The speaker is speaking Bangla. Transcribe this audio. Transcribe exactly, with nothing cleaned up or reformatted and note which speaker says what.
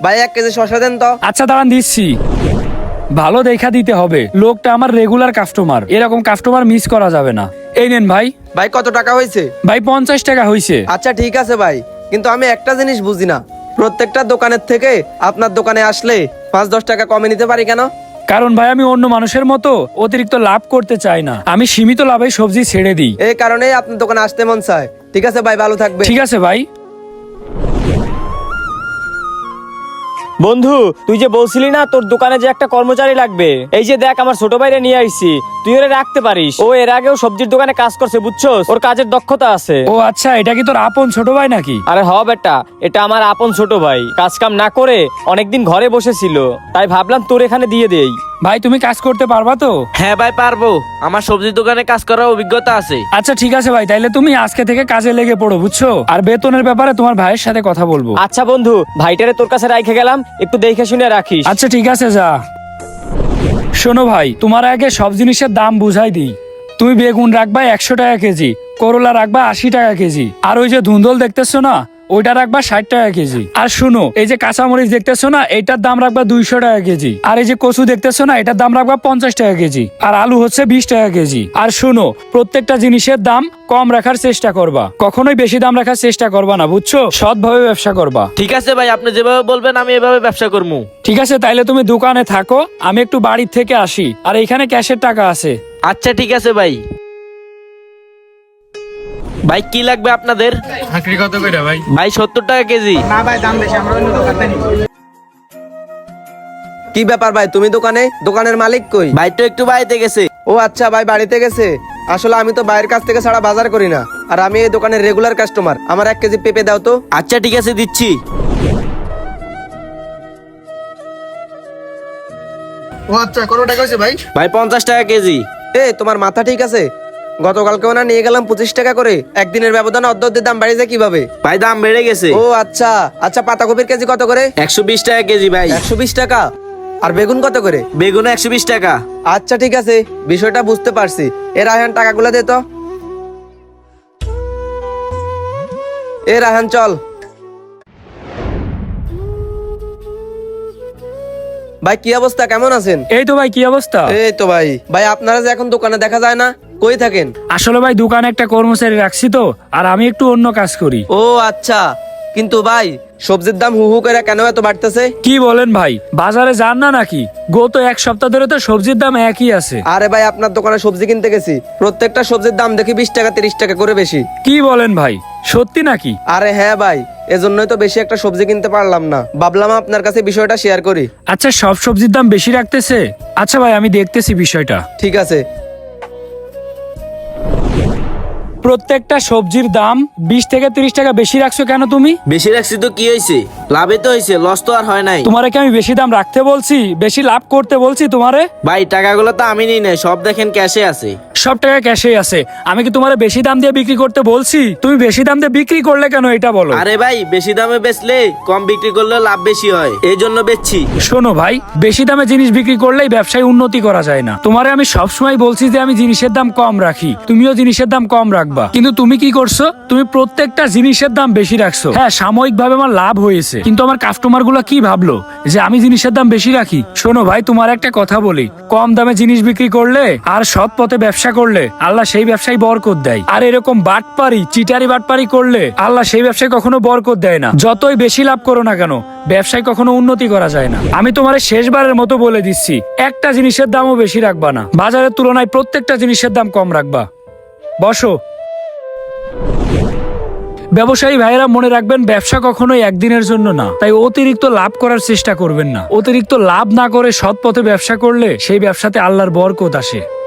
Speaker 1: ভাই এক কেজি শসা দেন তো।
Speaker 2: আচ্ছা দাঁড়ান দিচ্ছি। ভালো দেখা দিতে হবে, লোকটা আমার রেগুলার কাস্টমার, এরকম কাস্টমার মিস করা যাবে না। এই নেন ভাই।
Speaker 1: ভাই কত টাকা হয়েছে?
Speaker 2: ভাই পঞ্চাশ টাকা হয়েছে।
Speaker 1: আচ্ছা ঠিক আছে ভাই, কিন্তু আমি একটা জিনিস বুঝি না, প্রত্যেকটা দোকানের থেকে আপনার দোকানে আসলে পাঁচ দশ টাকা কমে নিতে পারি কেন?
Speaker 2: কারণ ভাই আমি অন্য মানুষের মতো অতিরিক্ত লাভ করতে চাই না, আমি সীমিত লাভে সবজি ছেড়ে দিই।
Speaker 1: এই কারণেই আপনার দোকানে আসতে মন চায়। ঠিক আছে ভাই, ভালো থাকবে।
Speaker 2: ঠিক আছে ভাই।
Speaker 3: বন্ধু, তুই যে বলছিলি না তোর দোকানে যে একটা কর্মচারী লাগবে, এই যে দেখ আমার ছোট ভাইরে নিয়ে আইছি, তুই ওরে রাখতে পারিস। ও এর আগেও সবজির দোকানে কাজ করছে, বুঝছস, ওর কাজের দক্ষতা আছে।
Speaker 2: ও আচ্ছা, এটা কি তোর আপন ছোট ভাই নাকি?
Speaker 3: আরে হ বেটা, এটা আমার আপন ছোট ভাই, কাজ কাম না করে অনেকদিন ঘরে বসেছিল, তাই ভাবলাম তোর এখানে দিয়ে দেই।
Speaker 2: ভাই তুমি কাজ করতে পারবা তো?
Speaker 4: হ্যাঁ ভাই পারবো, আমার সবজির দোকানে কাজ করার অভিজ্ঞতা আছে।
Speaker 2: আচ্ছা ঠিক আছে ভাই, তাইলে তুমি আজকে থেকে কাজে লেগে পড়ো, বুঝছো? আর বেতনের ব্যাপারে তোমার ভাইয়ের সাথে কথা বলবো।
Speaker 3: আচ্ছা বন্ধু, ভাইটারে তোর কাছে রাইখে গেলাম, একটু দেখে শুনে রাখিস।
Speaker 2: আচ্ছা ঠিক আছে, যা। শোনো ভাই, তোমার আগে সব জিনিসের দাম বুঝাই দিই। তুমি বেগুন রাখবা একশো টাকা কেজি, করলা রাখবা আশি টাকা কেজি, আর ওই যে ধুন্দল দেখতেছো না, ওইটা রাখবা ষাট টাকা কেজি। আর শুনো, এই যে কাঁচামরিচ দেখতেছো না, এইটার দাম রাখবা দুইশো টাকা কেজি। আর এই যে কচু দেখতেছো না, এটার দাম রাখবা পঞ্চাশ টাকা কেজি। আর আলু হচ্ছে বিশ টাকা কেজি। আর শুনো, প্রত্যেকটা জিনিসের দাম কম রাখার চেষ্টা করবা, কখনোই বেশি দাম রাখার চেষ্টা করবা না, বুঝছো? সৎভাবে ব্যবসা করবা।
Speaker 4: ঠিক আছে ভাই, আপনি যেভাবে বলবেন আমি এভাবে ব্যবসা করবো।
Speaker 2: ঠিক আছে, তাইলে তুমি দোকানে থাকো, আমি একটু বাড়ির থেকে আসি। আর এইখানে ক্যাশের টাকা আছে।
Speaker 4: আচ্ছা ঠিক আছে ভাই। ভাই কি লাগবে আপনাদের?
Speaker 2: চাকরি কত করে ভাই?
Speaker 4: ভাই সত্তর টাকা কেজি।
Speaker 1: কি ব্যাপার ভাই, তুমি দোকানে? দোকানের মালিক কই?
Speaker 4: ভাই তো একটু বাড়িতে গেছে।
Speaker 1: ও আচ্ছা, ভাই বাড়িতে গেছে। আসলে আমি তো বাইরের কাছ থেকে ছাড়া বাজার করি না, আর আমি এই দোকানের রেগুলার কাস্টমার। আমার এক কেজি পেঁপে দাও তো।
Speaker 4: আচ্ছা ঠিক আছে, দিচ্ছি।
Speaker 1: ও আচ্ছা, কত টাকা হয়েছে ভাই?
Speaker 4: ভাই পঞ্চাশ টাকা কেজি।
Speaker 1: এ তোমার মাথা ঠিক আছে? গতকালকেও না নিয়ে গেলাম পঁচিশ টাকা করে, একদিনের ব্যবধানে অর্ধ অর্ধের দাম বেড়ে যায় কিভাবে?
Speaker 4: ভাই দাম বেড়ে গেছে।
Speaker 1: ও আচ্ছা আচ্ছা, পাতাকপির কেজি কত করে?
Speaker 4: একশো বিশ টাকা কেজি ভাই।
Speaker 1: একশো বিশ টাকা। আর বেগুন কত করে?
Speaker 4: বেগুন একশো বিশ টাকা।
Speaker 1: আচ্ছা ঠিক আছে, বিষয়টা বুঝতে পারছি। এ রায়হান, টাকাগুলো দে তো। এ রায়হান চল। ভাই কি অবস্থা, কেমন আছেন?
Speaker 2: এই তো ভাই, কি অবস্থা?
Speaker 1: এই তো ভাই। ভাই আপনারা যে এখন দোকানে দেখা যায় না, কই থাকেন?
Speaker 2: আসলে ভাই দোকানে একটা কর্মচারী রাখছি তো, আর আমি একটু অন্য কাজ করি।
Speaker 1: ও আচ্ছা, কিন্তু ভাই সবজির দাম হু হু করে কেন এত বাড়তেছে?
Speaker 2: কি বলেন ভাই, বাজারে যান না নাকি? গত এক সপ্তাহ ধরে তো সবজির দাম একই আছে।
Speaker 1: আরে ভাই, আপনার দোকানে সবজি কিনতে গেছি, প্রত্যেকটা সবজির দাম দেখি বিশ টাকা তিরিশ টাকা করে বেশি।
Speaker 2: কি বলেন ভাই, সত্যি নাকি?
Speaker 1: আরে হ্যাঁ ভাই, এজন্যই তো বেশি একটা সবজি কিনতে পারলাম না, ভাবলাম আপনার কাছে বিষয়টা শেয়ার করি।
Speaker 2: আচ্ছা, সব সবজির দাম বেশি রাখতেছে? আচ্ছা ভাই, আমি দেখতেছি বিষয়টা।
Speaker 1: ঠিক আছে।
Speaker 2: প্রত্যেকটা সবজির দাম বিশ থেকে তিরিশ টাকা বেশি রাখছো কেন তুমি?
Speaker 4: বেশি রাখছি তো কি হয়েছে, লাভে তো হয়েছে, লস তো আর হয় নাই।
Speaker 2: তোমারে কি আমি বেশি দাম রাখতে বলছি, বেশি লাভ করতে বলছি তোমারে?
Speaker 4: ভাই টাকাগুলো তো আমি নিই নাই, সব দেখেন ক্যাশে আছে।
Speaker 2: সব টাকা ক্যাশেই আছে। আমি কি তোমারে বেশি দাম দিয়ে বিক্রি করতে বলছি? তুমি বেশি দাম দিয়ে বিক্রি করলে কেন, এটা বলো।
Speaker 4: আরে ভাই, বেশি দামে বেচলে কম বিক্রি করলে লাভ বেশি হয়, এই জন্য বেচছি।
Speaker 2: শোনো ভাই, বেশি দামে জিনিস বিক্রি করলেই ব্যবসায় উন্নতি করা যায় না। তোমারে আমি সবসময় বলছি যে আমি জিনিসের দাম কম রাখি, তুমিও জিনিসের দাম কম রাখবা, কিন্তু তুমি কি করছো? তুমি প্রত্যেকটা জিনিসের দাম বেশি রাখছো। হ্যাঁ, সাময়িক ভাবে আমার লাভ হয়েছে, কিন্তু আমার কাস্টমার গুলো কি ভাবলো যে আমি জিনিসের দাম বেশি রাখি? শোনো ভাই, তোমার একটা কথা বলি, কম দামে জিনিস বিক্রি করলে আর সৎ পথে ব্যবসা করলে আল্লাহ সেই ব্যবসায় বরকত দেয়। আর এরকম বাটপারি চিটারি বাটপারি করলে আল্লাহ সেই ব্যবসায় কখনো বরকত দেয় না। যতই বেশি লাভ করো না কেন, ব্যবসায় কখনো উন্নতি করা যায় না। আমি তোমার শেষবারের মতো বলে দিচ্ছি, একটা জিনিসের দামও বেশি রাখবা না, বাজারের তুলনায় প্রত্যেকটা জিনিসের দাম কম রাখবা। বসো। ব্যবসায়ী ভাইয়েরা মনে রাখবেন, ব্যবসা কখনোই একদিনের জন্য না, তাই অতিরিক্ত লাভ করার চেষ্টা করবেন না। অতিরিক্ত লাভ না করে সৎ পথে ব্যবসা করলে সেই ব্যবসাতে আল্লাহর বরকত আসে।